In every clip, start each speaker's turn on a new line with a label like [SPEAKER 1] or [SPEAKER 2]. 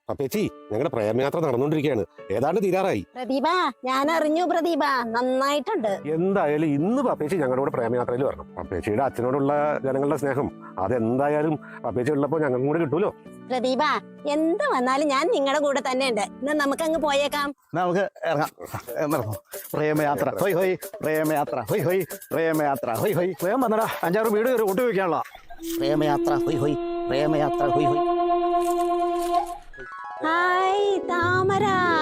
[SPEAKER 1] അപ്പേച്ചി ഞങ്ങളുടെ പ്രേമയാത്ര നടന്നുകൊണ്ടിരിക്കുകയാണ്. ഏതാണ്ട് തീരാറായി.
[SPEAKER 2] പ്രദീപ, ഞാൻ അറിഞ്ഞു പ്രദീപ, നന്നായിട്ടുണ്ട്.
[SPEAKER 1] എന്തായാലും ഇന്ന് പപ്പേച്ചി ഞങ്ങളുടെ കൂടെ പ്രേമയാത്രയിൽ വരണം. പപ്പേച്ചിയുടെ അച്ഛനോടുള്ള ജനങ്ങളുടെ സ്നേഹം അതെന്തായാലും പപ്പേച്ചി ഉള്ളപ്പോൾ ഞങ്ങൾക്കും കൂടെ കിട്ടൂലോ.
[SPEAKER 2] പ്രദീപ, എന്ത് വന്നാലും ഞാൻ നിങ്ങളുടെ കൂടെ തന്നെ ഉണ്ട്. ഇന്ന് നമുക്ക് അങ്ങ് പോയേക്കാം.
[SPEAKER 3] നമുക്ക് ഇറങ്ങാം. പ്രേമയാത്ര ഹൊയ് ഹൊയ്, പ്രേമയാത്ര ഹൊയ് ഹൊയ്, പ്രേമയാത്ര ഹൊയ് ഹൊയ്. വേഗം വന്നടാ, 5-6 വീട് കയറി ഒട്ടി വെക്കാനുള്ള പ്രേമയാത്ര ഹൊയ് ഹൊയ്, പ്രേമയാത്ര ഹൊയ് ഹൊയ്.
[SPEAKER 2] ഹായ് താമര.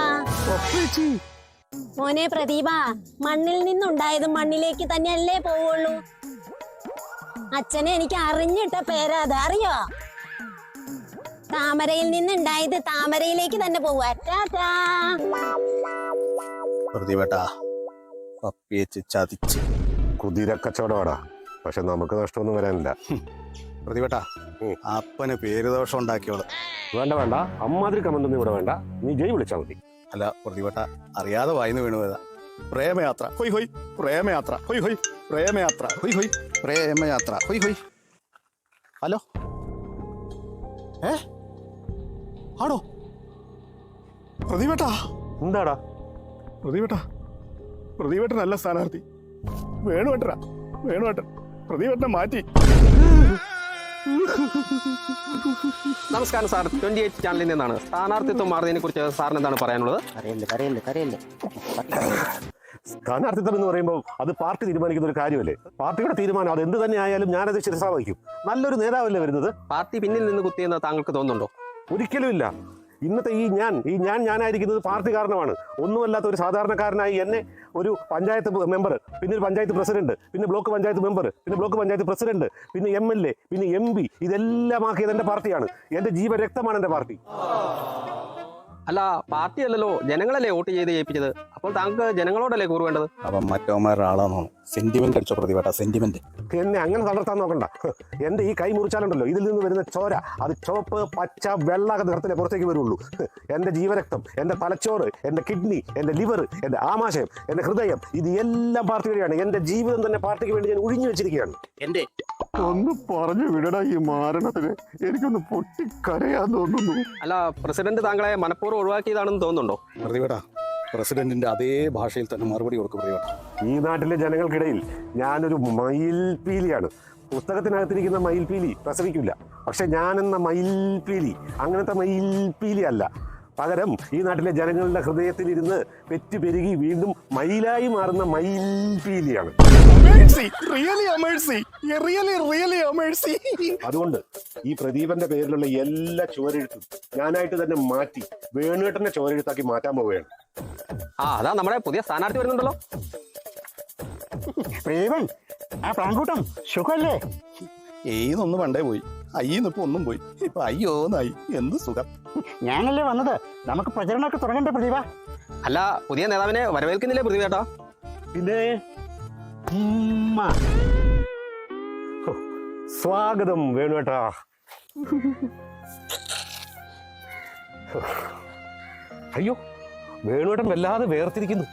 [SPEAKER 2] മോനെ പ്രദീപ, മണ്ണിൽ നിന്നുണ്ടായത് മണ്ണിലേക്ക് തന്നെയല്ലേ പോവുള്ളൂ. അച്ഛനെ എനിക്ക് അറിഞ്ഞിട്ട പേരാ അത്, അറിയോ? താമരയിൽ നിന്നുണ്ടായത് താമരയിലേക്ക് തന്നെ പോവാ. ടാറ്റാ.
[SPEAKER 3] പ്രതിവേട്ടാ, പപ്പിയച്ച് ചതിച്ച്
[SPEAKER 1] കുതിരക്കച്ചവടമാടാ. പക്ഷെ നമുക്ക് നഷ്ടമൊന്നും വരാനില്ല.
[SPEAKER 3] പ്രതിവേട്ടാ, അപ്പന് പേരുദോഷം ഉണ്ടാക്കിയോളൂ.
[SPEAKER 1] വേണ്ട വേണ്ട, അമ്മാതിരി കമന്റൊന്നും ഇവിടെ വേണ്ട. നീ ജയ് വിളിച്ചാൽ മതി.
[SPEAKER 3] അല്ല പ്രതിവേട്ട, അറിയാതെ വായിന്ന് വീണു പോയതാ. പ്രേമയാത്ര ഹൊയ് ഹൊയ്, പ്രേമയാത്ര ഹൊയ് ഹൊയ്, പ്രേമയാത്ര ഹൊയ് ഹൊയ്, പ്രേമയാത്ര ഹൊയ് ഹൊയ്. ഹലോ, ആണോ പ്രതിവേട്ടാ?
[SPEAKER 1] എന്താടാ
[SPEAKER 3] പ്രതിവേട്ടാ, പ്രതിവേട്ടനല്ല സ്ഥാനാർത്ഥി, വേണുവേട്ടനാ. വേണുവേട്ടൻ പ്രതിവേട്ടനെ മാറ്റി.
[SPEAKER 4] നമസ്കാരം സാർ, 28 ചാനലിൽ നിന്നാണ്. സ്ഥാനാർത്ഥിത്വം മാറുന്നതിനെ കുറിച്ച് സാറിന് എന്താണ് പറയാനുള്ളത്?
[SPEAKER 1] സ്ഥാനാർത്ഥിത്വം എന്ന് പറയുമ്പോൾ അത് പാർട്ടി തീരുമാനിക്കുന്ന ഒരു കാര്യമല്ലേ. പാർട്ടിയുടെ തീരുമാനം അത് എന്ത് തന്നെ ആയാലും ഞാനത് ശിരസാ വഹിക്കും. നല്ലൊരു നേതാവല്ലേ വരുന്നത്.
[SPEAKER 4] പാർട്ടി പിന്നിൽ നിന്ന് കുത്തിയെന്ന് താങ്കൾക്ക് തോന്നുന്നുണ്ടോ?
[SPEAKER 1] ഒരിക്കലും ഇല്ല. ഇന്നത്തെ ഈ ഞാനായിരിക്കുന്നത് പാർട്ടി കാരണമാണ്. ഒന്നുമല്ലാത്ത ഒരു സാധാരണക്കാരനായി എന്നെ ഒരു പഞ്ചായത്ത് മെമ്പർ, പിന്നെ ഒരു പഞ്ചായത്ത് പ്രസിഡന്റ്, പിന്നെ ബ്ലോക്ക് പഞ്ചായത്ത് മെമ്പർ, പിന്നെ ബ്ലോക്ക് പഞ്ചായത്ത് പ്രസിഡന്റ്, പിന്നെ MLA, പിന്നെ MP, ഇതെല്ലാം ആക്കിയത് എൻ്റെ പാർട്ടിയാണ്. എൻ്റെ ജീവരക്തമാണ് എൻ്റെ പാർട്ടി.
[SPEAKER 4] അല്ല, പാർട്ടി അല്ലല്ലോ, ജനങ്ങളല്ലേ വോട്ട് ചെയ്ത് ജയിപ്പിച്ചത്. അപ്പോൾ താങ്കൾക്ക് ജനങ്ങളോടല്ലേ കൂറുവേണ്ടത്?
[SPEAKER 3] അപ്പം മറ്റവന്മാരുടെ ആളാണോ? സെന്റിമെന്റ് അടിച്ചോ പ്രതിവേട്ട, സെന്റിമെന്റ്.
[SPEAKER 1] എന്നെ അങ്ങനെ തളർത്താൻ നോക്കണ്ട. എൻ്റെ ഈ കൈ മുറിച്ചാലുണ്ടല്ലോ, ഇതിൽ നിന്ന് വരുന്ന ചോര അത് ചുവപ്പ്, പച്ച, വെള്ള നിറത്തിലെ പുറത്തേക്ക് വരുള്ളൂ. എൻ്റെ ജീവരക്തം, എൻ്റെ തലച്ചോറ്, എൻ്റെ കിഡ്നി, എൻ്റെ ലിവർ, എൻ്റെ ആമാശയം, എൻ്റെ ഹൃദയം, ഇത് എല്ലാം പാർട്ടി വഴിയാണ്. എൻ്റെ ജീവിതം തന്നെ പാർട്ടിക്ക് വേണ്ടി ഞാൻ ഒഴിഞ്ഞു വെച്ചിരിക്കുകയാണ്.
[SPEAKER 3] എന്റെ
[SPEAKER 1] ഒന്ന് പറഞ്ഞു വിടടാ ഈ മാരണത്തിന്. എനിക്കൊന്ന് പൊട്ടിക്കരയാൻ തോന്നുന്നു.
[SPEAKER 4] അല്ല, പ്രസിഡന്റ് താങ്കളെ മനഃപൂർവ്വം ഒഴിവാക്കിയതാണെന്ന് തോന്നുന്നുണ്ടോ?
[SPEAKER 3] പ്രതിവേട്ട, പ്രസിഡന്റിന്റെ അതേ ഭാഷയിൽ തന്നെ മറുപടി കൊടുക്കും പ്രതിവേട്ട.
[SPEAKER 1] ഈ നാട്ടിലെ ജനങ്ങൾക്കിടയിൽ ഞാനൊരു മയിൽപീലിയാണ്. പുസ്തകത്തിനകത്തിരിക്കുന്ന മയിൽപീലി പ്രസവിക്കില്ല. പക്ഷെ ഞാനെന്ന മയിൽപീലി അങ്ങനത്തെ മയിൽപീലി അല്ല. പകരം ഈ നാട്ടിലെ ജനങ്ങളുടെ ഹൃദയത്തിലിരുന്ന് പെറ്റുപെരുകി വീണ്ടും മയിലായി മാറുന്ന മയിൽപീലിയാണ്. അതുകൊണ്ട് ഈ പ്രദീപന്റെ പേരിലുള്ള എല്ലാ ചുവരെഴുത്തും ഞാനായിട്ട് തന്നെ മാറ്റി വേണുവേട്ടന്റെ ചുവരെഴുത്താക്കി മാറ്റാൻ പോവുകയാണ്.
[SPEAKER 4] അതാ നമ്മുടെ പുതിയ സ്ഥാനാർത്ഥി വരുന്നുണ്ടല്ലോ.
[SPEAKER 5] പ്രദീപൻ, ആ പ്രാങ്കൂട്ടം സുഖല്ലേ?
[SPEAKER 3] ഏതൊന്നും പണ്ടേ പോയി, അയ്യിന്നിപ്പോ ഒന്നും പോയി. ഇപ്പൊ അയ്യോന്നായി. എന്ത് സുഖം.
[SPEAKER 5] ഞാനല്ലേ വന്നത്, നമുക്ക് പ്രചരണമൊക്കെ തുടങ്ങണ്ടേ പ്രദീപ?
[SPEAKER 4] അല്ല, പുതിയ നേതാവിനെ വരവേൽക്കുന്നില്ലേ പ്രതിവേട്ടാ?
[SPEAKER 1] പിന്നെ സ്വാഗതം വേണുവേട്ടാ. അയ്യോ, വേണുവേട്ടൻ വല്ലാതെ വേർതിരിക്കുന്നു.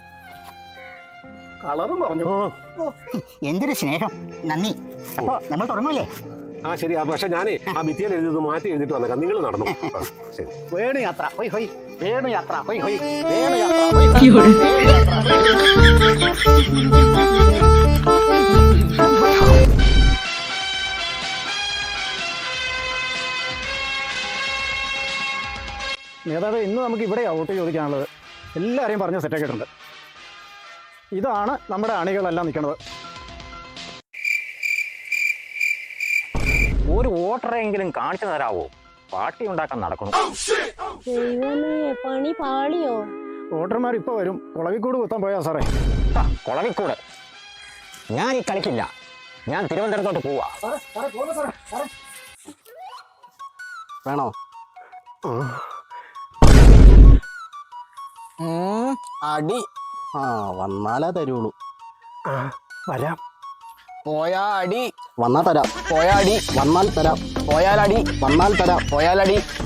[SPEAKER 3] കളറും പറഞ്ഞു.
[SPEAKER 5] എന്തൊരു സ്നേഹം, നന്ദി. അപ്പൊ നമ്മൾ തുടങ്ങൂലേ?
[SPEAKER 1] ശരി. പക്ഷെ ഞാനേ ആ ഭിത്തിയിൽ എഴുതി മാറ്റി എഴുതിട്ട് വന്നേക്കാം. നിങ്ങൾ നടന്നു. ശരി.
[SPEAKER 5] വേണുയാത്ര ഹൊയ് ഹൊയ്, വേണുയാത്ര ഹൊയ് ഹൊയ്, വേണുയാത്ര ഹൊയ് ഹൊയ്.
[SPEAKER 6] നേതാവ്, ഇന്ന് നമുക്ക് ഇവിടെ വോട്ട് ചോദിക്കാനുള്ളത്. എല്ലാവരെയും പറഞ്ഞ് സെറ്റാക്കിയിട്ടുണ്ട്. ഇതാണ് നമ്മുടെ അണികളെല്ലാം നിൽക്കുന്നത്.
[SPEAKER 7] ഒരു വോട്ടറെങ്കിലും കാണിച്ചു തരാവോ? പാർട്ടി ഉണ്ടാക്കാൻ നടക്കുന്നു.
[SPEAKER 2] ദൈവമേ, പണി പാളിയോ?
[SPEAKER 6] വോട്ടർമാർ ഇപ്പോൾ വരും. കുളവിക്കൂട് കുത്താൻ പോയാ സാറേ.
[SPEAKER 7] കുളവിക്കൂട് ഞാൻ ഈ കളിക്കില്ല. ഞാൻ തിരുവനന്തപുരത്തോട്ട് പോവാ.
[SPEAKER 4] വേണോ?
[SPEAKER 3] അടി വന്നാലേ തരുള്ളൂ.
[SPEAKER 1] വരാം.
[SPEAKER 3] പോയാ അടി വന്നാൽ തരാം. പോയാ അടി വന്നാൽ തരാം. പോയാലടി വന്നാൽ തരാം. പോയാലടി